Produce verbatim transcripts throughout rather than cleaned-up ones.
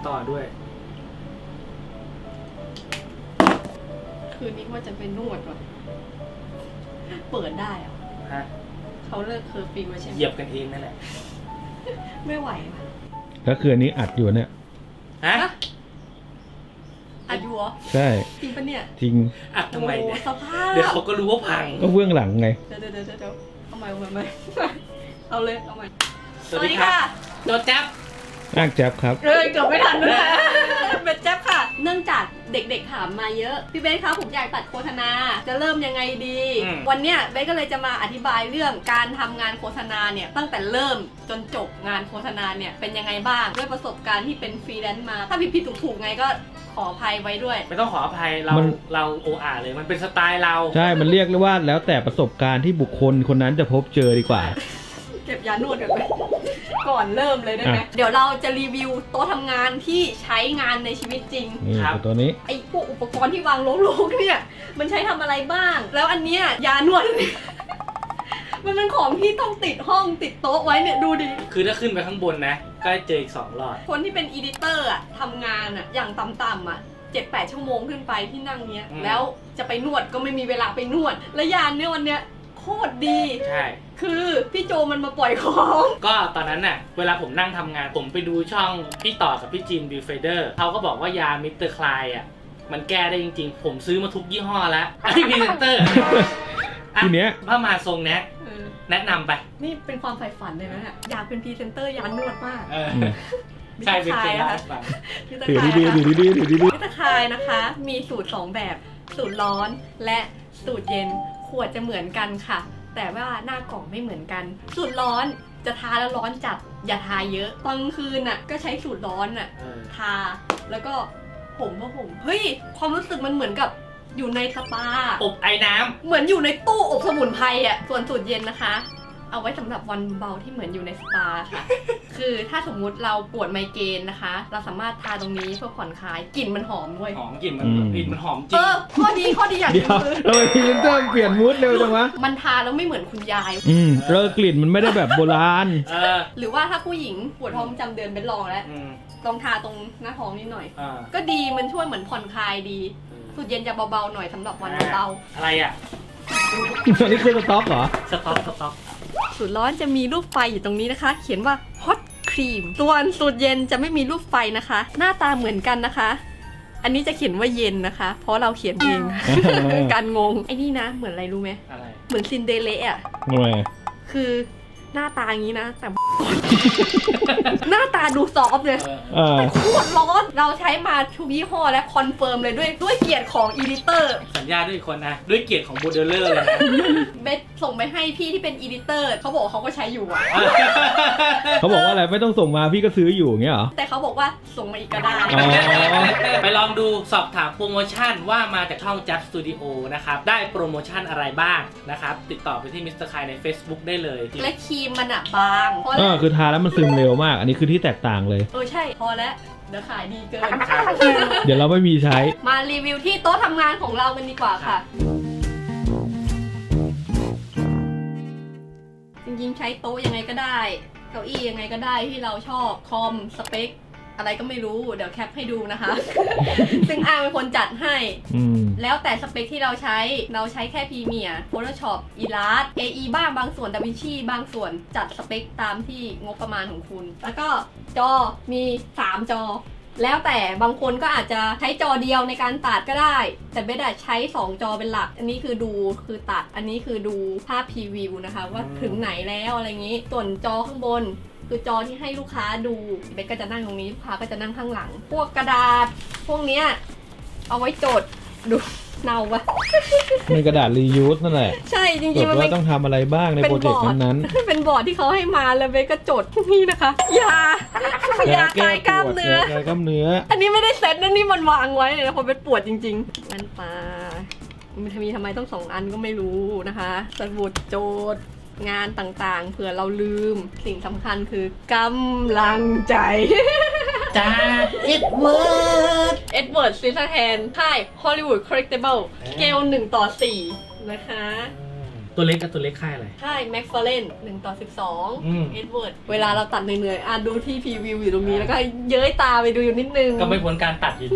ต่อด้วยคืนนี้ว่าจะเป็นนวดว่ะเปิดได้เหรอฮะเขาเลิกเคอร์ฟิวใช่ไหมเหยียบกันเองนั่นแหละไม่ไหวว่ะก็คืออันนี้อัดอยู่เนี่ยฮะอัดอยู่เหรอใช่จริงปะเนี่ยจริงอัดทำไมเนี่ยสภาพเดี๋ยวเขาก็รู้ว่าพังก็เบื้องหลังไงเดี๋ยวเดี๋ยวเดี๋ยวเอาใหม่เอาใหม่เอาเลยเอาใหม่สวัสดีค่ะโดนจับอ้างแจ๊บครับเอ้ยเกือบไม่ทันด้วยเบสแจ๊บค่ะเนื่องจากเด็กๆถามมาเยอะพี่เบสคะผมอยากตัดโฆษณาจะเริ่มยังไงดีวันเนี้ยเบสก็เลยจะมาอธิบายเรื่องการทำงานโฆษณาเนี่ยตั้งแต่เริ่มจนจบงานโฆษณาเนี่ยเป็นยังไงบ้างด้วยประสบการณ์ที่เป็นฟรีแลนซ์มาถ้าผิดๆถูกๆไงก็ขออภัยไว้ด้วยไม่ต้องขออภัยเราเราโออาเลยมันเป็นสไตล์เราใช่มันเรียกว่าแล้วแต่ประสบการณ์ที่บุคคลคนนั้นจะพบเจอดีกว่าเก็บยานวดกันไปก่อนเริ่มเลยได้ไหมเดี๋ยวเราจะรีวิวโต๊ะทำงานที่ใช้งานในชีวิตจริงนี่ตัวนี้ไอ้พวกอุปกรณ์ที่วางโลกๆเนี่ยมันใช้ทำอะไรบ้างแล้วอันเนี้ยยานวดมันเป็นของที่ต้องติดห้องติดโต๊ะไว้เนี่ยดูดิคือถ้าขึ้นไปข้างบนนะก็เจออีกสองหลอดคนที่เป็นอีดิเตอร์อะทำงานอะอย่างต่ำๆอะเจ็ดแปดชั่วโมงขึ้นไปที่นั่งเนี้ยแล้วจะไปนวดก็ไม่มีเวลาไปนวดและยานเนี่ยวันเนี้ยโคตรดีใช่คือพี่โจมันมาปล่อยของก็ตอนนั้นน่ะเวลาผมนั่งทำงานผมไปดูช่องพี่ต่อกับพี่จีนบิวเฟเดอร์เขาก็บอกว่ายามิสเตอร์คลายอ่ะมันแก้ได้จริงๆผมซื้อมาทุกยี่ห้อแล้วไอ้พรีเซนเตอร์ทีเนี้ยถ้ามาทรงเนี้ยแนะนำไปนี่เป็นความใฝ่ฝันเลยนะอยากเป็นพรีเซนเตอร์ยานวดมากใช่เป็นเป็นนะคะถือดีๆถือดีๆถือดีๆมิสเตอร์คลายนะคะมีสูตรสองแบบสูตรร้อนและสูตรเย็นขวดจะเหมือนกันค่ะแต่ว่าหน้ากล่องไม่เหมือนกันสูตรร้อนจะทาแล้วร้อนจัดอย่าทาเยอะตอนกลางคืนน่ะก็ใช้สูตรร้อนน่ะทาแล้วก็ผมก็ผมเฮ้ยความรู้สึกมันเหมือนกับอยู่ในสปาอบไอ้น้ำเหมือนอยู่ในตู้อบสมุนไพรอ่ะส่วนสูตรเย็นนะคะเอาไว้สำหรับวันเบาที่เหมือนอยู่ในสปาค่ะคือถ้าสมมุติเราปวดไมเกรนนะคะเราสามารถทาตรงนี้เพื่อผ่อนคลายกลิ่นมันหอมด้วยหอมกลิ่นมันกลิ่นมันหอมจริงเออข้อดีข้อดีอย่างนึงคือทำไมพรีเซนเตอร์เปลี่ยนมูดเร็วจังวะมันทาแล้วไม่เหมือนคุณยายอืมเออกลิ่นมันไม่ได้แบบโบราณหรือว่าถ้าผู้หญิงปวดท้องประจำเดือนเป็นลองแล้วลองทาตรงหน้าท้องนิดหน่อยก็ดีมันช่วยเหมือนผ่อนคลายดีสูตรเย็นจะเบาๆหน่อยสำหรับวันเบาอะไรอ่ะอันนี้คือสต็อกเหรอสต็อกสต็อกสูตรร้อนจะมีรูปไฟอยู่ตรงนี้นะคะเขียนว่า hot cream ส่วนสูตรเย็นจะไม่มีรูปไฟนะคะหน้าตาเหมือนกันนะคะอันนี้จะเขียนว่าเย็นนะคะเพราะเราเขียนเองการงงไอ้นี่นะเหมือนอะไรรู้ไหมอะไรเหมือนซินเดเรลล่าทำไมคือหน้าตาอย่างนี้นะแต่หน้าตาดูซอฟต์เลยแต่โคตรร้อนเราใช้มาทุกยี่ห้อและคอนเฟิร์มเลยด้วยด้วยเกียรติของอีดิเตอร์สัญญาด้วยคนนะด้วยเกียรติของโมเดลเลอร์เลยนะเบสส่งไปให้พี่ที่เป็นอีดิเตอร์เขาบอกเขาก็ใช้อยู่อ่ะเขาบอกว่าอะไรไม่ต้องส่งมาพี่ก็ซื้ออยู่เงี้ยเหรอแต่เขาบอกว่าส่งมาอีกก็ได้ไปลองดูสอบถามโปรโมชั่นว่ามาจากช่อง Just Studio นะครับได้โปรโมชั่นอะไรบ้างนะครับติดต่อไปที่มิสเตอร์คายใน Facebook ได้เลยและครีมมันอะบางเออคือทาแล้วมันซึมเร็วมากอันนี้คือที่แตกต่างเลยเออใช่พอแล้วเดี๋ยวขายดีเกินเดี๋ยวเราไม่มีใช้มารีวิวที่โต๊ะทำงานของเรากันดีกว่าค่ะจริงๆใช้โต๊ะยังไงก็ได้เก้าอี้ยังไงก็ได้ที่เราชอบคอมสเปคอะไรก็ไม่รู้เดี๋ยวแคปให้ดูนะคะ ซึ่งอ้างเป็นคนจัดให้แล้วแต่สเปคที่เราใช้เราใช้แค่พรีเมียร์ Photoshop Illustrator เอ อี บ้างบางส่วน DaVinci บางส่วนจัดสเปคตามที่งบประมาณของคุณแล้วก็จอมีสามจอแล้วแต่บางคนก็อาจจะใช้จอเดียวในการตัดก็ได้แต่เบสใช้สองจอเป็นหลักอันนี้คือดูคือตัดอันนี้คือดูภาพพรีวิวนะคะว่าถึงไหนแล้วอะไรอย่างนี้ส่วนจอข้างบนคือจอที่ให้ลูกค้าดูเบสก็จะนั่งตรงนี้ลูกค้าก็จะนั่งข้างหลังพวกกระดาษพวกเนี้ยเอาไว้จดดูเนาปะเป็นกระดาษรียูสนั่นแหละใช่จริงๆมันต้องทำอะไรบ้างในโปรเจกต์นั้นๆเป็นบอร์ดที่เขาให้มาแล้วเบสก็จดนี่นะคะยายาคลายกล้ามเนื้อคลายกล้ามเนื้ออันนี้ไม่ได้เซ็ตนะนี่มันวางไว้เลยนะเพราะเบสปวดจริงๆมันปลามันมีทำไมต้องสองอันก็ไม่รู้นะคะสมุดโจทย์งานต่างๆเผื่อเราลืมสิ่งสำคัญคือกำลังใจจากเอ็ดเวิร์ดเอ็ดเวิร์ดซิสแฮนค่าย Hollywood Collectible สเกลหนึ่งต่อสี่นะคะตัวเล็กกับตัวเล็กค่ายอะไรใช่แม็กฟาร์เรนหนึ่งต่อสิบสองอืมเอ็ดเวิร์ดเวลาเราตัดเหนื่อยๆอ่ะดูที่พรีวิวอยู่ตรงนี้แล้วก็เย้ยตาไปดูอยู่นิดนึงก็ไม่พ้นการตัดอยู่ดี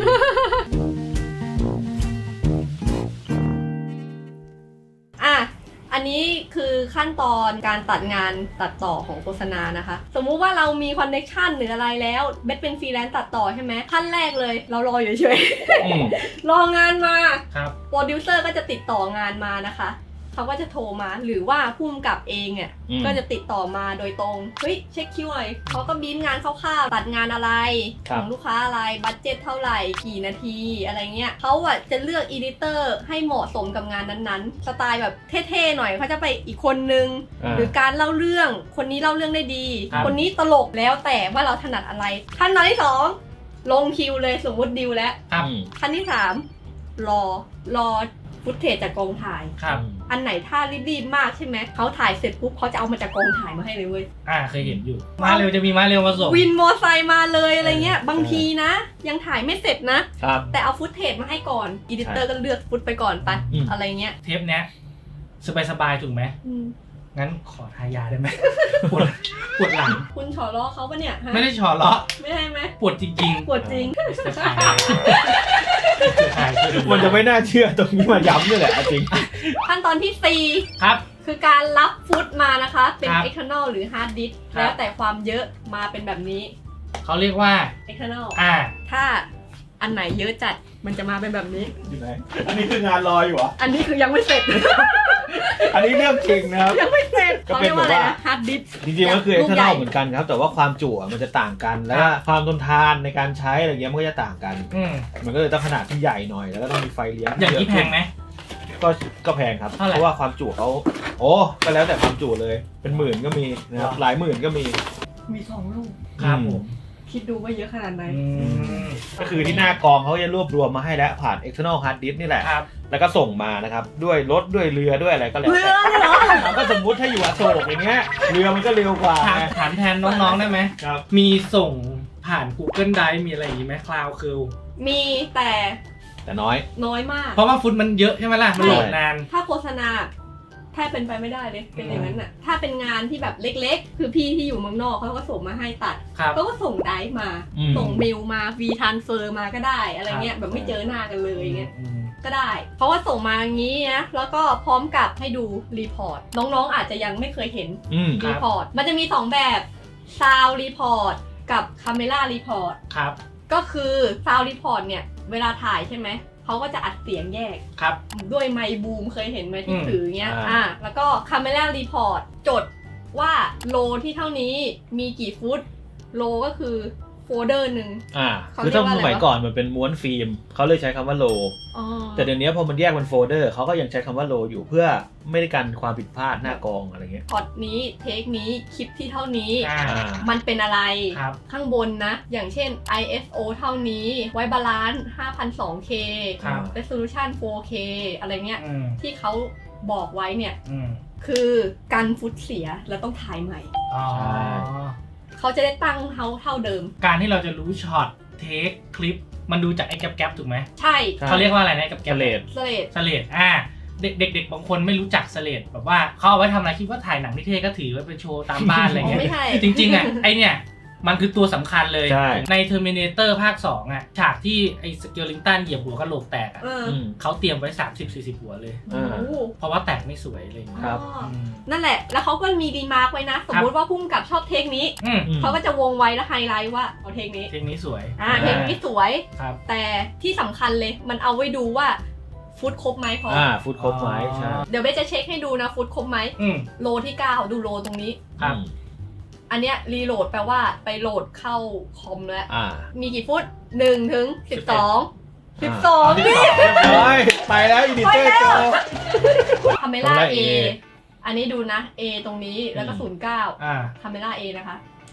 อ่ะอันนี้คือขั้นตอนการตัดงานตัดต่อของโฆษณานะคะ สมมุติว่าเรามีคอนเนคชั่นหรืออะไรแล้วเบสเป็นฟรีแลนซ์ตัดต่อใช่ไหมขั้นแรกเลยเรารออยู่เฉยอืมๆ รองานมาครับโปรดิวเซอร์ก็จะติดต่องานมานะคะเขาก็จะโทรมาหรือว่าผู้กำกับเองเนี่ยอืมก็จะติดต่อมาโดยตรงเฮ้ยเช็คคิวหน่อยเขาก็บีบงานคร่าวๆตัดงานอะไรครัขบองลูกค้าอะไรบัดเจ็ตเท่าไหร่กี่นาทีอะไรเงี้ยเขาอ่ะจะเลือกอีดิเตอร์ให้เหมาะสมกับงานนั้นๆสไตล์แบบเท่ๆหน่อยเขาจะไปอีกคนนึงอ่าหรือการเล่าเรื่องคนนี้เล่าเรื่องได้ดีครับคนนี้ตลกแล้วแต่ว่าเราถนัดอะไรขั้นตอนที่สองลงคิวเลยสมมติดิวแล้วครับอืมขั้นที่สามรอรอฟุตเทจจากกองถ่ายครับอันไหนถ้ารีบๆมากใช่ไหมเขาถ่ายเสร็จปุ๊บเขาจะเอามาจากกองถ่ายมาให้เลยเว้ยอ่าเคยเห็นอยู่ มาเร็วจะมีมาเร็วมาส่งวินมอไซค์มาเลยอะไรเงี้ยบางทีนะ ยังถ่ายไม่เสร็จนะครับแต่เอาฟุตเทจมาให้ก่อนอีดิเตอร์ก็เลือกฟุตไปก่อนไปอืมอะไรเงี้ยเทปเนี้ยสบายๆถูกไหมอืมงั้นขอทายาได้ไหม ปวดปวดหลังคุณฉอล้อเขาปะเนี่ยฮะไม่ได้ฉอเลาะไม่ได้ไหมปวดจริงๆปวดจริงจะขายจะขายคือมันจะไม่น่าเชื่อตรงนี้มาย้ำนี่แหละจริงขั้นตอนที่สี่ครับคือการรับฟุตมานะคะ เป็นครับ external หรือ hard disk ครับแล้วแต่ความเยอะมาเป็นแบบนี้เขาเรียกว่า external อ่าถ้าอันไหนเยอะจัดมันจะมาเป็นแบบนี้อยู่ไหนอันนี้คืองานรออยู่เหรออันนี้คือยังไม่เสร็จอันนี้เรื่องจริงนะครับยังไม่เสร็จก็เขาเป็เรีนยกว่าอะไรแบบว่านะ hard disk จริงๆก็คือลูกใหญ่ external เหมือนกันครับ แต่ว่าความจุอ่ะมันจะต่างกัน แล้วก็ความทนทานในการใช้อะไรเงี้ยมันก็จะต่างกันอืมมันก็เลยต้องขนาดที่ใหญ่หน่อย แล้วก็ต้องมีไฟเลี้ยงอย่างนี้เะแพงไหมก็ก็แพงครับเท่าไหร่เพราะว่าความจุเขาโอ้ก็แล้วแต่ความจุเลย เป็นหมื่นก็มีนะครับว้าวหลายหมื่นก็มีมีสองลูกครับผมคิดดูว่าเยอะขนาดไหนอืมก็คือที่หน้ากองเขาจะรวบรวมมาให้แล้วผ่าน external hard disk นี่แหละครับแล้วก็ส่งมานะครับ ด้วยรถด้วยเรือด้วยอะไรก็แล้วเรือแต่เลยเหรอเราก็สมมุติถ้าอยู่อโศกอย่างเงี้ย เรือมันก็เร็วกว่าถามไงถามแทนน้องๆได้ไหมครับมีส่งผ่าน Google Drive มีอะไรอย่างนี้ไหม Cloud คือมีแต่แต่น้อยน้อยมากเพราะว่าฟุตมันเยอะใช่ไหมล่ะ มันโหลดนานถ้าโฆษณาแทบเป็นไปไม่ได้เลย เป็นอย่างนั้นน่ะ ถ้าเป็นงานที่แบบเล็กๆ คือพี่ที่อยู่เมืองนอกเขาก็ส่งมาให้ตัดครับเขาก็ส่งไดฟ์มาอืมส่งเมลมาวีทันเฟอร์มาก็ได้ อะไรเงี้ย แบบไม่เจอหน้ากันเลยเงี้ยอืมก็ได้ เพราะว่าส่งมาอย่างนี้นะ แล้วก็พร้อมกับให้ดูรีพอร์ต น้องๆอาจจะยังไม่เคยเห็นอืมรีพอร์ต มันจะมีสองแบบซาวรีพอร์ตกับคาเมล่ารีพอร์ตครับก็คือซาวรีพอร์ตเนี่ย เวลาถ่ายใช่ไหม เขาก็จะอัดเสียงแยกครับด้วยไมค์บูมเคยเห็นไหมที่อืมถือเงี้ยอ่าอ่า แล้วก็คาเมล่ารีพอร์ตจดว่าโลที่เท่านี้มีกี่ฟุต โลก็คือโฟลเดอร์หนึ่งอ่าเขาคือถ้าเรียกว่าสอะไรมัยวะก่อนมันเป็นม้วนฟิล์มเขาเลยใช้คำว่าโลอ๋อแต่เดี๋ยวนี้พอมันแยกเป็นโฟลเดอร์เขาก็ยังใช้คำว่าโลอยู่เพื่อไม่ได้กันความผิดพลาดหน้ากองอะไรเงี้ยพอดนี้เทคนี้คลิปที่เท่านี้อ่าอ่ามันเป็นอะไรครับข้างบนนะ อย่างเช่น ไอ เอส โอ เท่านี้ ไว้บาลานซ์ ห้าพันสองเคครับ resolution โฟร์เค อะไรเงี้ยอืมที่เขาบอกไว้เนี่ยอืมคือกันฟุตเสียแล้วต้องถ่ายใหม่อ๋อใช่เขาจะได้ตั้งเท่าเท่าเดิมการที่เราจะรู้ช็อต เทค คลิป มันดูจากไอ้แก๊ปแก๊ปถูกไหมใช่ใช่เขาเรียกว่าอะไรนะแก๊ปเกแก๊ปเลดสเลดสเลดอ่า เด็กเด็กๆบางคนไม่รู้จักสเลดแบบว่าเขาเอาไว้ทำอะไรคิดว่าถ่ายหนังนิเทศก็ถือไว้เป็นโชว์ตามบ้านอะไรเงี้ยไม่ใช่จริงๆอ่ะ ไอเนี่ย มันคือตัวสำคัญเลยใช่ใน Terminator ภาคสองอ่ะ ฉากที่ไอ้สเกลลิงตันเหยียบหัวกระโหลกแตกอ่ะเอออืมเขาเตรียมไว้ สามสิบสี่สิบ หัวเลยอ่าโอ้โหเพราะว่าแตกไม่สวยอะไรอย่างเงี้ยครับอ๋ออืมนั่นแหละ แล้วเขาก็มีรีมาร์กไว้นะ สมมุติว่าพุ่มกับชอบเทคนี้อืมอืมเขาก็จะวงไว้แล้วไฮไลท์ว่าเอาเทคนี้เทคนี้สวยอ่า เทคนี้สวยครับแต่ที่สำคัญเลย มันเอาไว้ดูว่าฟุตครบไหมพอออ่าฟุตครบไหมใช่เดี๋ยวเบสจะเช็คให้ดูนะฟุตครบไหมอืมโลที่เก้าดูโลตรงนี้ครับอืมอันเนี้ยรีโหลดแปลว่าไปโหลดเข้าคอมแล้วอ่ามีกี่ฟุตหนึ่งถึงสิบสองสิบสองเรียบร้อยไปแล้วอีดิเตอร์โจคาเมล่า Camera A A อันนี้ดูนะ A ตรงนี้แล้วก็อืมศูนย์เก้าอ่าคาเมล่า A นะคะ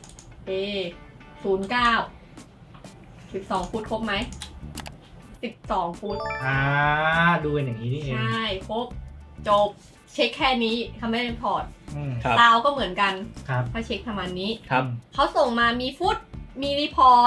A ศูนย์เก้าสิบสองฟุตครบไหมสิบสองฟุตอ่า ดูเป็นอย่างนี้นี่เองใช่ครบจบเช็คแค่นี้คาเมล่าพอร์ตอืมครับซาวก็เหมือนกันครับถ้าเช็คประมาณนี้ครับเขาส่งมามีฟุต มีรีพอร์ต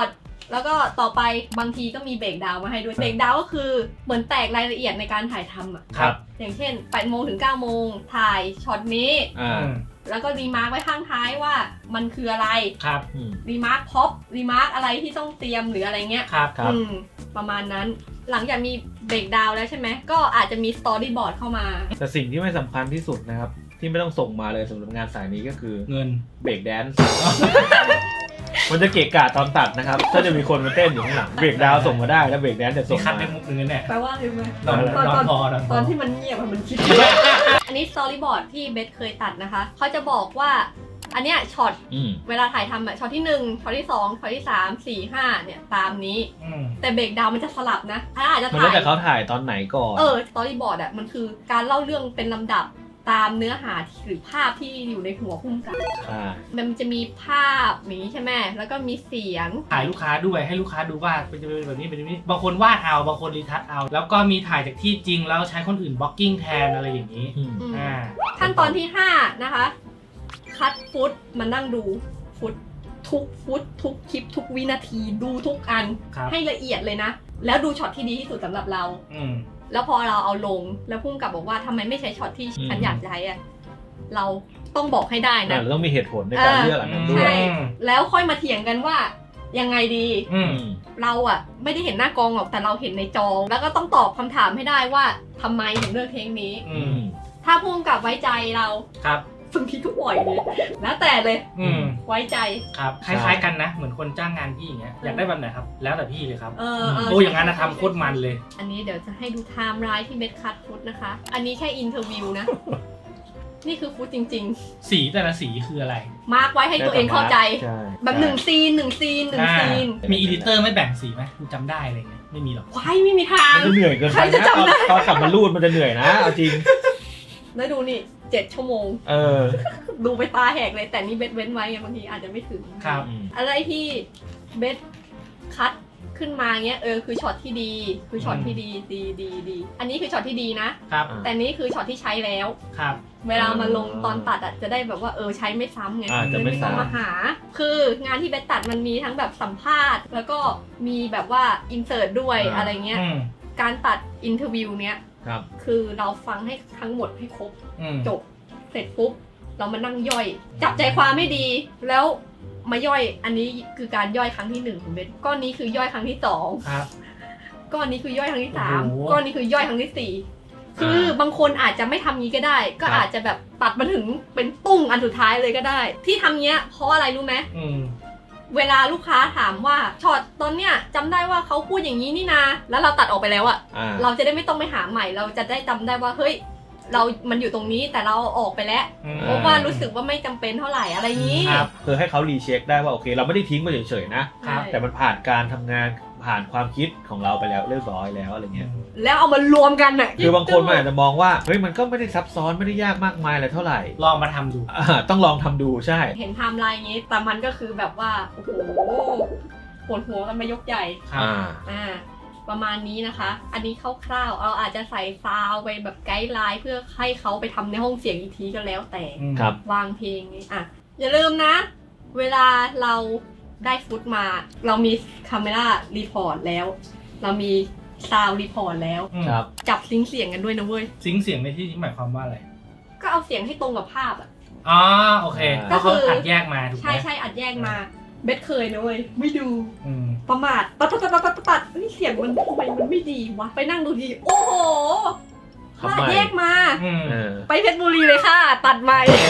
แล้วก็ต่อไปบางทีก็มีเบรกดาวน์มาให้ด้วยเบรกดาวน์ก็คือเหมือนแตกรายละเอียดในการถ่ายทำอ่ะครับอย่างเช่นแปดโมงถึงเก้าโมงถ่ายช็อตนี้อ่าแล้วก็รีมาร์กไว้ข้างท้ายว่ามันคืออะไรครับอืมรีมาร์กพ็อปรีมาร์กอะไรที่ต้องเตรียมหรืออะไรเงี้ยครับครับอืมประมาณนั้นหลังจากมีเบรกดาวน์แล้วใช่ไหมก็อาจจะมีสตอรี่บอร์ดเข้ามาแต่สิ่งที่ไม่สำคัญที่สุดนะครับ ที่ไม่ต้องส่งมาเลยสำหรับงานสายนี้ก็คือเงินเบรกแดนซ์ มันจะเกะกะตอนตัดนะครับถ้าจะมีคนมาเต้นอยู่ข้างหลังเบรกดาวน์ส่งมาได้แล้วเบรกแดนซ์จะส่นี่งคัดมาได้มุกนึงเนี่ยแปลว่าอะไรรู้ไหมนอนตอนนอตอน นพอนอนพตออนที่มันเงียบอะมันคิด อันนี้สตอรี่บอร์ดที่เบสเคยตัดนะคะเขาจะบอกว่าอันเนี้ยช็อตอืมเวลาถ่ายทำอะช็อตที่หนึ่งช็อตที่สองช็อตที่สามสี่ห้าเนี่ยตามนี้อืมแต่เบรกดาวน์มันจะสลับนะถ้าอาจจะมันถ่าแล้วยแต่เขาถ่ายตอนไหนก่อนเออสตอรี่บอร์ดอะมันคือการเล่าเรื่องเป็นลำดับตามเนื้อหาหรือภาพที่อยู่ในหัวพุ่มกับอ่ามันจะมีภาพอย่างนี้ใช่ไหมแล้วก็มีเสียงถ่ายลูกค้าด้วยให้ลูกค้าดูว่าเป็นจะเป็นแบบนี้เป็นแบบนี้บางคนวาดเอาบางคนรีทัชเอา แล้วก็มีถ่ายจากที่จริงแล้วใช้คนอื่นบล็อกกิ้งแทนอะไรอย่างนี้อืมอืมอ่าขั้นตอนที่ห้านะคะ คัดฟุตมานั่งดูฟุตทุกฟุตทุกคลิปทุกวินาทีดูทุกอันครับให้ละเอียดเลยนะ แล้วดูช็อตที่ดีที่สุดสำหรับเราอืมแล้วพอเราเอาลงแล้วพุ่มกับบอกว่าทำไมไม่ใช้ช็อตที่ฉันอยากใช้อะเราต้องบอกให้ได้แต่นะเราต้องมีเหตุผลในการอ่าเลือกอันนั้นด้วยใช่ แล้วค่อยมาเถียงกันว่ายังไงดีอืมอืมเราอะไม่ได้เห็นหน้ากองหรอกแต่เราเห็นในจอ แล้วก็ต้องตอบคำถามให้ได้ว่าทำไมถึงเลือกเทคนี้อือืมมถ้าพุ่มกับไว้ใจเราครับบางทีก็ปล่อยเลยแล้วแต่เลยอืมไว้ใจครับ คล้ายๆกันนะ เหมือนคนจ้างงานพี่อย่างเงี้ย อยากได้แบบไหนครับ แล้วแต่พี่เลยครับเออเออโอ้อย่างนั้นนะทำโคตรมันเลยอันนี้เดี๋ยวจะให้ดูไทม์ไลน์ที่เบสคัทฟุตนะคะ อันนี้แค่อินเทอร์วิวนะ นี่คือฟุตจริงสีแต่ละสีคืออะไรๆ มาร์กไว้ให้ตัวเองเข้าใจใช่แบบหนึ่งซีนหนึ่งซีนหนึ่งอ่าซีนมีอีดิเตอร์ไม่แบ่งสีไหมกูจำได้อะไรเงี้ย ไม่มีหรอกว้ายไม่มีทางมันจะเหนื่อยเกินใครไปจะนะจำได้ตอนตอนกลับมารูดมันจะเหนื่อยนะเอาจริงแล้วดูนี่เจ็ดชั่วโมงเออดูไปตาแหกเลย แต่นี่เบสเว้นไว้ไงบางทีอาจจะไม่ถึงครับอืมอะไรที่เบสคัทขึ้นมาเงี้ยเออคือช็อตที่ดี คือช็อตที่ดีดีดีดีอันนี้คือช็อตที่ดีนะครับแต่นี้คือช็อตที่ใช้แล้วครับเวลามาลงตอนตัดอ่ะจะได้แบบว่าเออใช้ไม่ซ้ำไงอ่าจะไม่ต้องซ้ำมาหา คืองานที่เบสตัดมันมีทั้งแบบสัมภาษณ์ แล้วก็มีแบบว่าอินเสิร์ตด้วยอ่าอะไรเงี้ยอืมการตัดอินเทอร์วิวเนี้ยครับคือเราฟังให้ทั้งหมดให้ครบอืมจบเสร็จปุ๊บเรามานั่งย่อย จับใจความไม่ดี แล้วมาย่อยอันนี้คือการย่อยครั้งที่หนึ่งของเบสก้อนนี้คือย่อยครั้งที่สองครับก้อนนี้คือย่อยครั้งที่สามโอ้โหก้อนนี้คือย่อยครั้งที่สี่คือบางคนอาจจะไม่ทำงี้ก็ได้ ก็ครับอาจจะแบบตัดมาถึงเป็นปุ้งอันสุดท้ายเลยก็ได้ ที่ทำเงี้ยเพราะอะไรรู้ไหมอืมเวลาลูกค้าถามว่าช็อตตอนเนี้ยจำได้ว่าเขาพูดอย่างนี้นี่นาแล้วเราตัดออกไปแล้วอะอ่าเราจะได้ไม่ต้องไปหาใหม่ เราจะได้จำได้ว่าเฮ้ยเรา มันอยู่ตรงนี้แต่เราออกไปแล้วอืมเพราะว่ารู้สึกว่าไม่จำเป็นเท่าไหร่อะไรนี้ครับคือให้เขารีเช็คได้ว่าโอเค เราไม่ได้ทิ้งมาเฉยๆนะครับใช่แต่มันผ่านการทำงานผ่านความคิดของเราไปแล้วเรียบร้อยแล้วอะไรเงี้ยแล้วเอามารวมกันน่ะคือบางคนมันอาจจะมองว่าเฮ้ยมันก็ไม่ได้ซับซ้อนไม่ได้ยากมากมายอะไรเท่าไหร่ลองมาทำดูอ่าต้องลองทำดูใช่เห็นไทม์ไลน์อย่างนี้ แต่มันก็คือแบบว่า โอ้โหปวดหัวกันมายกใหญ่ครับอ่าอ่า ประมาณนี้นะคะ อันนี้คร่าวๆ เราอาจจะใส่ซาวด์ไปแบบไกด์ไลน์เพื่อให้เขาไปทำในห้องเสียงอีกทีก็แล้วแต่อืมครับวางเพลงนี้อ่ะ อย่าลืมนะ เวลาเราได้ฟุตมา เรามีคาเมล่ารีพอร์ตแล้ว เรามีซาวด์รีพอร์ตแล้วอืมครับจับซิงค์เสียงกันด้วยนะเว้ยซิงค์เสียงในที่นี้หมายความว่าอะไรก็เอาเสียงให้ตรงกับภาพอ่ะอ๋อ โอเคอ่าเพราะเขาอัดแยกมาถูกไหมใช่ใช่อัดแยกมา เบสเคยนะเว้ย ไม่ดูอืมประมาทตัดตัดตัดตัดตัดตัดเฮ้ยเสียงมันทำไมมันไม่ดีวะ ไปนั่งดูที โอ้โหทำไมตัดแยกมาอืมเออไปเพชรบุรีเลยค่ะ ตัดใหม่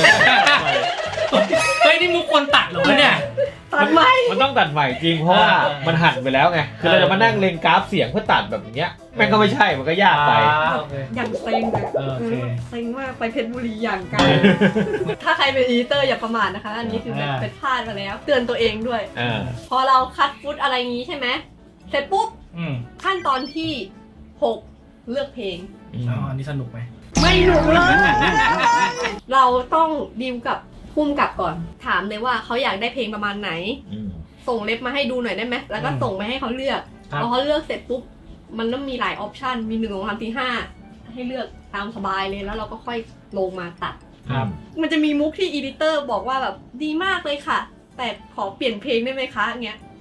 เฮ้ยนี่มุกคนตัดเหรอวะเนี่ยตัดใหม่มันต้องตัดใหม่จริงเพราะว่าอ่ามัมันหั่นไปแล้วไง คือเราจะมานั่งเล็งกราฟเสียงเพื่อตัดแบบอย่างเงี้ยแม่งก็ไม่ใช่มันก็ยากไปอ่าโอเคอย่างเซ็งเลยเออโอเคเซ็งมากไปเพชรบุรีอย่างไกล ถ้าใครเป็นอีดิเตอร์อย่าประมาทนะคะ อันนี้คือแบบอ่าเป็นพลาดมาแล้ว เตือนตัวเองด้วยอ่าพอเราคัดฟุตอะไรงี้ใช่ไหม เสร็จปุ๊บอืมขั้นตอนที่หกเลือกเพลงอืมอ๋ออันนี้สนุกไหมไม่หนุกเลย เราต้องดีลกับพุ่มกับก่อน ถามเลยว่าเขาอยากได้เพลงประมาณไหนอืมส่งเล็บมาให้ดูหน่อยได้ไหม แล้วก็อืมส่งไปให้เขาเลือกครับพอเขาเลือกเสร็จปุ๊บ มันต้องมีหลายออปชัน มีหนึ่งสองสามสี่ห้าให้เลือกตามสบายเลย แล้วเราก็ค่อยลงมาตัดครับมันจะมีมุกที่อีดิเตอร์บอกว่าแบบดีมากเลยค่ะ แต่ขอเปลี่ยนเพลงได้ไหมคะเงี้ย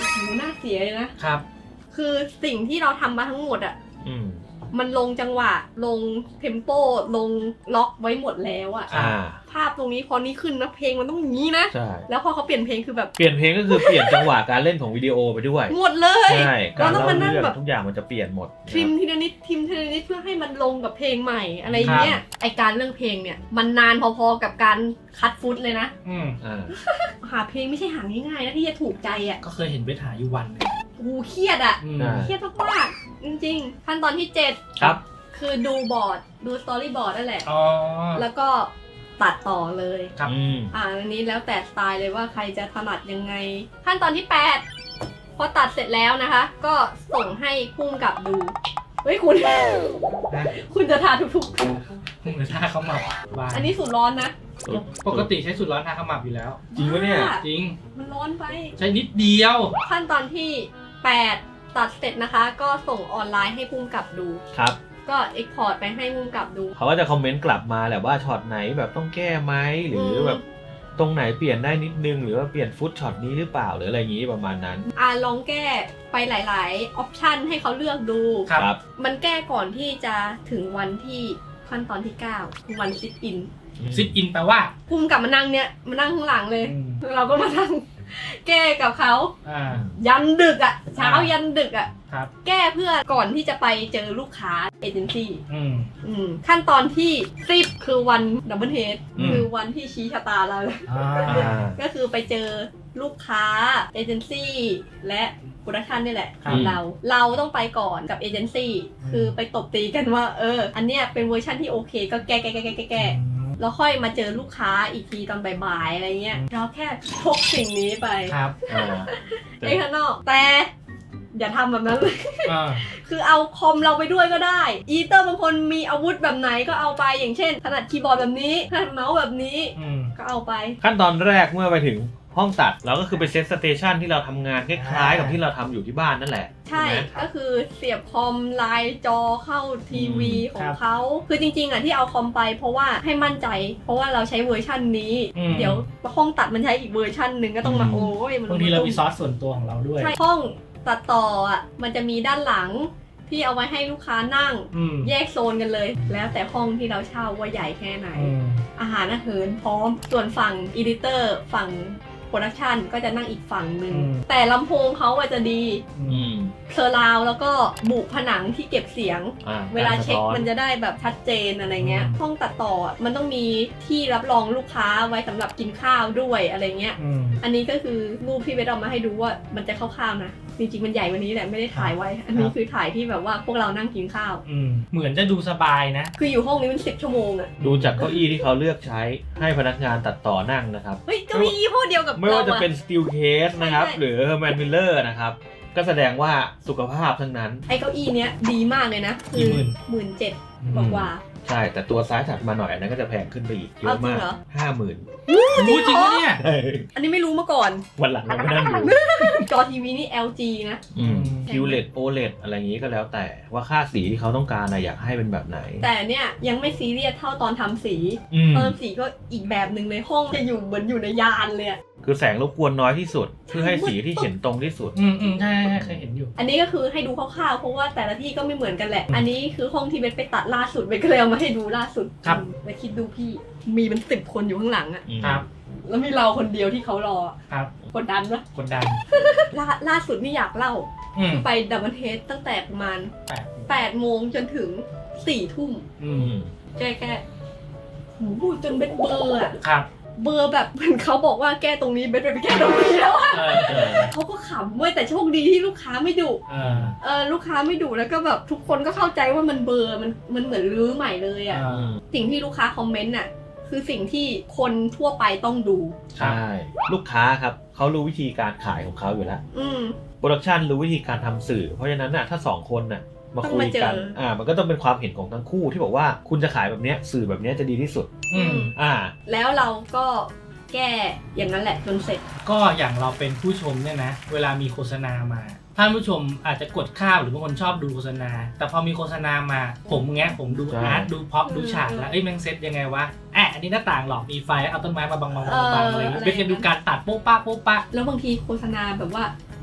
โอ้โหน่าเสียเลยนะครับ คือสิ่งที่เราทำมาทั้งหมดอ่ะอืมมันลงจังหวะลงเทมโปลงล็อกไว้หมดแล้วอ่ะอ่าภาพตรงนี้พอนี้ขึ้นนะเพลงมันต้องอย่างนี้นะใช่แล้วพอเขาเปลี่ยนเพลงคือแบบเปลี่ยนเพลงก็คือเปลี่ยนจังหวะการเล่นของวิดีโอไปด้วยหมดเลยใช่การเราต้องเล่ามานั่งเรื่องแบบทุกอย่างมันจะเปลี่ยนหมดทริมทีละนิดทริมทีละนิดเพื่อให้มันลงกับเพลงใหม่อะไรเงี้ยไอการเรื่องเพลงเนี่ยมันนานพอๆกับการคัดฟุตเลยนะอืมอ่าหาเพลงไม่ใช่หาง่ายๆนะที่จะถูกใจอ่ะก็เคยเห็นเวทหาอยู่วันหนึงโอ้โหเครียดอ่ะอืมใช่เครียดมากๆจริงๆขั้นตอนที่เจ็ดครับคือดูบอร์ดดูสตอรี่บอร์ดนั่นแหละอ๋อแล้วก็ตัดต่อเลยครับอืมอ่าอันนี้แล้วแต่สไตล์เลยว่าใครจะถนัดยังไง ขั้นตอนที่แปดพอตัดเสร็จแล้วนะคะ ก็ส่งให้พุ่มกับดูเฮ้ยคุณนะคุณจะทาทุกหรือท่าเขาหมับบ้าๆนอันนี้สูตรร้อนนะปกติใช้สูตรร้อนทาเขาหมับอยู่แล้วจริงปะเนี่ยบ้าจริงมันร้อนไปใช้นิดเดียวขั้นตอนที่แปดตัดเสร็จนะคะ ก็ส่งออนไลน์ให้พุ่มกับดูครับก็เอ็กพอร์ตไปให้พุ่มกับดูเขาก็จะคอมเมนต์กลับมาแหละว่าช็อตไหนแบบต้องแก้ไหมหรือแบบตรงไหนเปลี่ยนได้นิดนึง หรือว่าเปลี่ยนฟุตช็อตนี้หรือเปล่าหรืออะไรอย่างนี้ประมาณนั้นอ่าลองแก้ไปหลายๆ ออปชันให้เขาเลือกดูครับมันแก้ก่อนที่จะถึงวันที่ขั้นตอนที่เก้าคือวันซิทอินซิทอินแปลว่าพุ่มกับมานั่งเนี่ยมานั่งข้างหลังเลยอืมเราก็มานั่ง แก้กับเขาอ่ายันดึกอะ่ะ เช้ายันดึกอะ่ะครับแก้เพื่อก่อนที่จะไปเจอลูกค้าเอเจนซี่อืมอืมขั้นตอนที่สิบคือวันดับเบิลเฮดอืมคือวันที่ชี้ชะตาเราเลยอ่าอ่าก็คือไปเจอลูกค้าเอเจนซี่และโปรดักชันนี่แหละครับเรา เราต้องไปก่อนกับเอเจนซี่อืมคือไปตบตีกันว่า เออ อันเนี้ยเป็นเวอร์ชันที่โอเค ก็แก้แก้แก้แก้แก้แก้แล้วค่อยมาเจอลูกค้าอีกทีตอนบ่ายๆอะไรเงี้ย เราแค่พกสิ่งนี้ไปครับอ่าในข้างนอก แต่อย่าทำแบบนั้นเลยอ่าคือเอาคอมเราไปด้วยก็ได้ อีเตอร์บางคนมีอาวุธแบบไหนก็เอาไป อย่างเช่นถนัดคีย์บอร์ดแบบนี้ถนัดเมาส์แบบนี้อืมก็เอาไปขั้นตอนแรกเมื่อไปถึงห้องตัดเราก็คือไปเซตสเตชันที่เราทำงานคล้ายๆกับที่เราทำอยู่ที่บ้านนั่นแหละใช่ไหมก็คือเสียบคอมไลน์จอเข้าทีวีอืมขอครังบเขา คือจริงๆอ่ะที่เอาคอมไปเพราะว่าให้มั่นใจ เพราะว่าเราใช้เวอร์ชันนี้อืมเดี๋ยวห้องตัดมันใช้อีกเวอร์ชันหนึ่งก็ต้องมาอืมโอ้ยมันบางทีเรามีซอสส่วนตัวของเราด้วยใช่ห้องตัดต่ออ่ะมันจะมีด้านหลังที่เอาไว้ให้ลูกค้านั่งอืมแยกโซนกันเลย แล้วแต่ห้องที่เราเช่าว่าใหญ่แค่ไหนอืมอาหารอาหารพร้อม ส่วนฝั่งอีดิเตอร์ฝั่งโปรดักชันก็จะนั่งอีกฝั่งหนึ่งอืมแต่ลำโพงเขาอะจะดีอือืมมเซอร์ราวด์แล้วก็บุผนังที่เก็บเสียงอ่เวลาเช็คกรสะท้อมันจะได้แบบชัดเจนอะไรเงี้ยอืมห้องตัดต่ออะมันต้องมีที่รับรองลูกค้าไว้สำหรับกินข้าวด้วยอะไรเงี้ยอืมอันนี้ก็คือรูปที่เบสเอามาให้ดูว่ามันจะคร่าวๆนะ จริงๆมันใหญ่กวันนี้แหละไม่ได้ถ่ายไว้ อันนี้คือถ่ายที่แบบว่าพวกเรานั่งกินข้าวอืม เหมือนจะดูสบายนะคืออยู่ห้องนี้มันสิบชั่วโมงอะดูจากเก้าอี้ที่เขาเลือกใช้ให้พนักงานตัดต่อนั่งนะครับเฮ้ยเก้าอี้ยี่ห้อเดียวกับไม่ว่าจะรเป็น Steel Case นะครับใช่หรือ Herman Miller นะครับ ก็แสดงว่าสุขภาพทั้งนั้นไอ้เก้าอี้เนี้ยดีมากเลยนะ คืกี่อหมื่นหมื่นเจ็ดอืมบอกว่าใช่ แต่ตัวซ้ายถัดมาหน่อยอันนั้นก็จะแพงขึ้นไปอีกเยเอาอะจริมาง กเหรอห้าหมื่นรู้จริงปะเนี่ยอันนี้ไม่รู้มาก่อนวันหลังเราไม่นั่งดูจอทีวีนี่ แอล จี นะอืม คิว แอล อี ดี โอ แอล อี ดี อะไรอย่างนี้ก็แล้วแต่ว่าค่าสีที่เขาต้องการนะอยากให้เป็นแบบไหนแต่เนี่ยยังไม่ซีเรียสเท่าตอนทำสีอืมตอนทำสีก็อีกแบบหนึ่งเลยห้องจะอยู่เหมือนอยู่ในยานเลยอะคือแสงรบกวนน้อยที่สุด เพื่อให้สีที่เห็นตรงที่สุดอืมอืมใช่ใช่เคยเห็นอยู่อันนี้ก็คือให้ดูคร่าวๆเพราะว่าแต่ละที่ก็ไม่เหมือนกันแหละ อันนี้คือห้องที่เบสไปตัดล่าสุดเบสก็เลยเอามาให้ดูล่าสุดครับอืมไปคิดดูพี่มีเป็นสิบคนอยู่ข้างหลังอะครับแล้วมีเราคนเดียวที่เขารออะครับกดดันปะกดดันล่าล่าสุดนี่อยากเล่าอืมไปดับเบิลเทสตั้งแต่ประมาณแปดแปดโมงจนถึงสี่ทุ่มอือืมมแก้แก้หูจนเบ็ดเบลอร์อะครับเบลอร์แบบเหมือนเขาบอกว่าแก้ตรงนี้เบ็ดไปแก้ตรงนี้แล้วอะเออเออเขาก็ขำเว้ยแต่โชคดีที่ลูกค้าไม่ดุเออเออลูกค้าไม่ดุแล้วก็แบบทุกคนก็เข้าใจว่ามันเบลอร์มันมันเหมือนรื้อใหม่เลยอะเออสิ่งที่ลูกค้าคอมเมนต์อะคือสิ่งที่คนทั่วไปต้องดูใช่ ลูกค้าครับเขารู้วิธีการขายของเขาอยู่แล้วอืมโปรดักชันรู้วิธีการทำสื่อ เพราะฉะนั้นน่ะถ้าสองคนน่ะมาคุยกันต้องมาเจออ่อ่ามันก็ต้องเป็นความเห็นของทั้งคู่ที่บอกว่าคุณจะขายแบบเนี้ยสื่อแบบเนี้ยจะดีที่สุดอืมอ่าแล้วเราก็แก้อย่างนั้นแหละจนเสร็จก็อย่างเราเป็นผู้ชมเนี่ยนะ เวลามีโฆษณามาท่านผู้ชมอาจจะกดข้ามหรือบางคนชอบดูโฆษณา แต่พอมีโฆษณามาผมเงี้ยผมดูใช่อาร์ตดูพ็อปอืมดูฉากแล้วเอ้ยแม่งเซตยังไงวะแอะอันนี้หน้าต่างหรอกมีไฟเอาต้นไม้มาบังบังเออบังอะไรอย่างเงี้ยอะไรเป็นการดูการตัดโป๊ะป้าโป๊ะป้าแล้วบางทีโฆษณาแบบว่า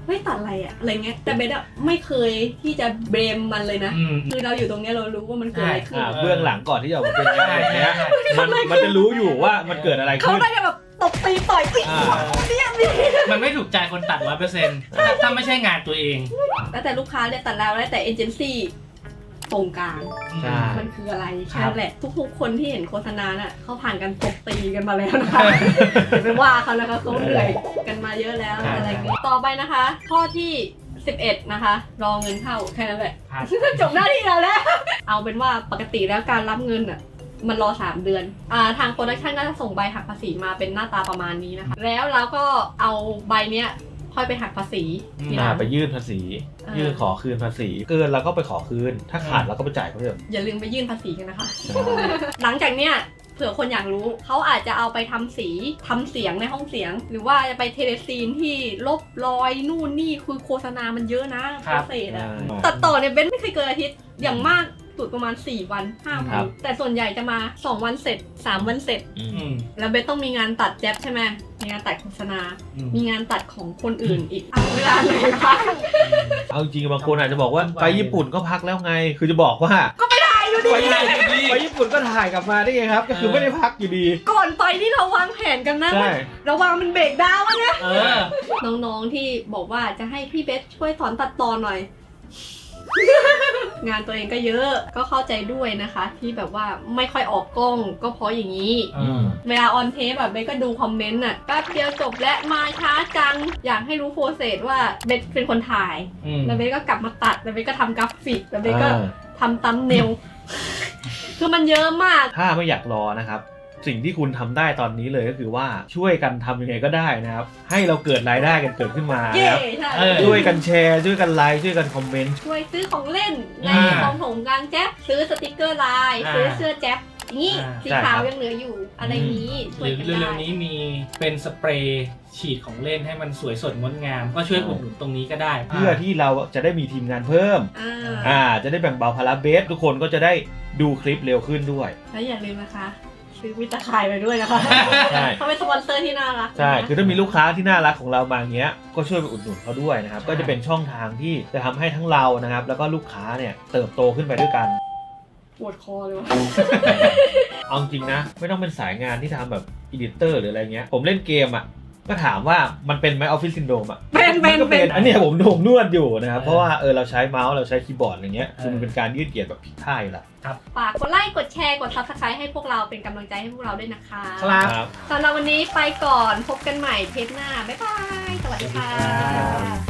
เฮ้ยตัดอะไรอะอะไรเงี้ยแต่เบสอะไม่เคยที่จะเบรมมันเลยนะอืมคือเราอยู่ตรงเนี้ยเรารู้ว่ามันเกิดอะไรขึ้นอ่าเบื้องหลังก่อนที่จะออกมาเป็นงานแบบเนี้ยมันมันจะรู้อยู่ว่ามันเกิดอะไรเขาขึ้นได้จะแบบตบตีต่อยตีอ่าเนี่ยนี่มันไม่ถูกใจคนตัดร้อยเปอร์เซ็นต์ถ้าไม่ใช่งานตัวเองแล้วแต่ลูกค้าเนี่ยตัดแล้วแล้วแต่เอเจนซี่ตรงกลางใช่มันคืออะไรครัแค่บนั้นแหละทุกๆคนที่เห็นโฆษณาน่ะเขาผ่านการตบตีกันมาแล้วนะคะอย่าไปว่าเขานะคะเขาเหนื่อยกันมาเยอะแล้วอะไรอย่างเงี้ยต่อไปนะคะ ข้อที่สิบเอ็ดนะคะ รอเงินเข้าแค่นั้นแหละครับจบหน้าที่เราแล้ว เอาเป็นว่าปกติแล้วการรับเงินอ่ะมันรอสามเดือนอ่าทางโปรดักชันก็จะส่งใบหักภาษีมาเป็นหน้าตาประมาณนี้นะคะ แล้วเราก็เอาใบเนี้ยค่อยไปหักภาษีทีหอ่าลังไปยื่นภาษีอ่ายื่นขอคืนภาษีเกินเราก็ไปขอคืน ถ้าขาดเราก็ไปจ่ายเพิ่มอย่าลืมไปยื่นภาษีกันนะคะ หลังจากเนี้ยเผื่อคนอยากรู้เขาอาจจะเอาไปทำสีทำเสียงในห้องเสียง หรือว่าจะไปเทเลซีนที่ลบรอยนู่นนี่คือโฆษณามันเยอะนะโปรเซสอะอ่าตัดต่อเนี่ยเบนไม่เคยเกินอาทิตย์อย่างมากสุดประมาณสี่วันห้าควัรันบแต่ส่วนใหญ่จะมาสองวันเสร็จสามวันเสร็จอือืมมแล้วเบนต้องมีงานตัดแจ๊บใช่ไหมมีงานตัดโฆษณาอืมมีงานตัดของคนอื่นอีกเอาเวลาไหนพักเอาจริงๆบางคนอาจจะบอกว่าไปญี่ปุ่นก็พักแล้วไง คือจะบอกว่าถ่ายอยู่ดีไปไปญี่ปุ่นก็ถ่ายกลับมาได้ไงครับ ก็คือไม่ได้พักอยู่ดีก่อนไปที่เราวางแผนกันนะใช่เราวางเป็นเบรกดาวน์วะเนี่ยเออน้องๆที่บอกว่าจะให้พี่เบสช่วยสอนตัดต่อหน่อย งานตัวเองก็เยอะก็เข้าใจด้วยนะคะ ที่แบบว่าไม่ค่อยออกกล้องก็เพราะอย่างนี้อืมเวลาออนเทปแบบเบสก็ดูคอมเมนต์อ่ะแป๊บเดียวจบและมาช้าจัง อยากให้รู้โปรเซสว่าเบสเป็นคนถ่ายอืมแล้วเบสก็กลับมาตัดแล้วเบสก็ทำกราฟิกแล้วเบสก็อ่าทำตัมเนล คือมันเยอะมากถ้าไม่อยากรอนะครับ สิ่งที่คุณทำได้ตอนนี้เลยก็คือว่าช่วยกันทำยังไงก็ได้นะครับ ให้เราเกิดรายได้กันเกิดขึ้นมาเย่นะครับใช่เออช่วยกันแชร์ช่วยกันไลค์ช่วยกันคอมเมนต์ช่วยซื้อของเล่นในอ่ากองถงกลางแจ๊บซื้อสติกเกอร์ลายอ่าซื้อเสื้อแจ๊บอย่างนี้อ่าสีขาวยังเหลืออยู่อะไรนี้หช่วยรือกันเร็ได้วๆนี้มีเป็นสเปรย์ฉีดของเล่นให้มันสวยสดงดงาม ก็ช่วยอุดหนุนตรงนี้ก็ได้เพื่อที่เราจะได้มีทีมงานเพิ่มอ่าอ่า จะได้แบ่งเบาภาระเบสทุกคนก็จะได้ดูคลิปเร็วขึ้นด้วยแล้วอย่าลืมนะคะ ซื้อมิตรขายไปด้วยนะคะใช่เขาเป็นสปอนเซอร์ที่น่ารักใช่นะคือถ้ามีลูกค้าที่น่ารักของเรามาอย่างเงี้ย ก็ช่วยไปอุดหนุนเขาด้วยนะครับ ก็จะเป็นช่องทางที่จะทำให้ทั้งเรานะครับ แล้วก็ลูกค้าเนี่ยเติบโตขึ้นไปด้วยกันปวดคอเลยวะเอาจริงนะ ไม่ต้องเป็นสายงานที่ทำแบบอีดิเตอร์หรืออะไรเงี้ย ผมเล่นเกมอ่ะ ก็ถามว่ามันเป็นไหมออฟฟิศซินโดรมอ่ะเป็นเป็นมัก็เป็นอันเนี้ยผมผมนวดอยู่นะครับเออเพราะว่าเออเราใช้เมาส์เราใช้คีย์บอร์ดอะไรเงี้ยเออคือมันเป็นการยืดเหยียดแบบผิดท่าอยู่และฝากกดไลค์กดแชร์กด ซับสไครบ์ให้พวกเราเป็นกำลังใจให้พวกเราด้วยนะคะครับครับสำหรับวันนี้ไปก่อนพบกันใหม่เทปหน้า บ๊ายบาย สวัสดีค่ะ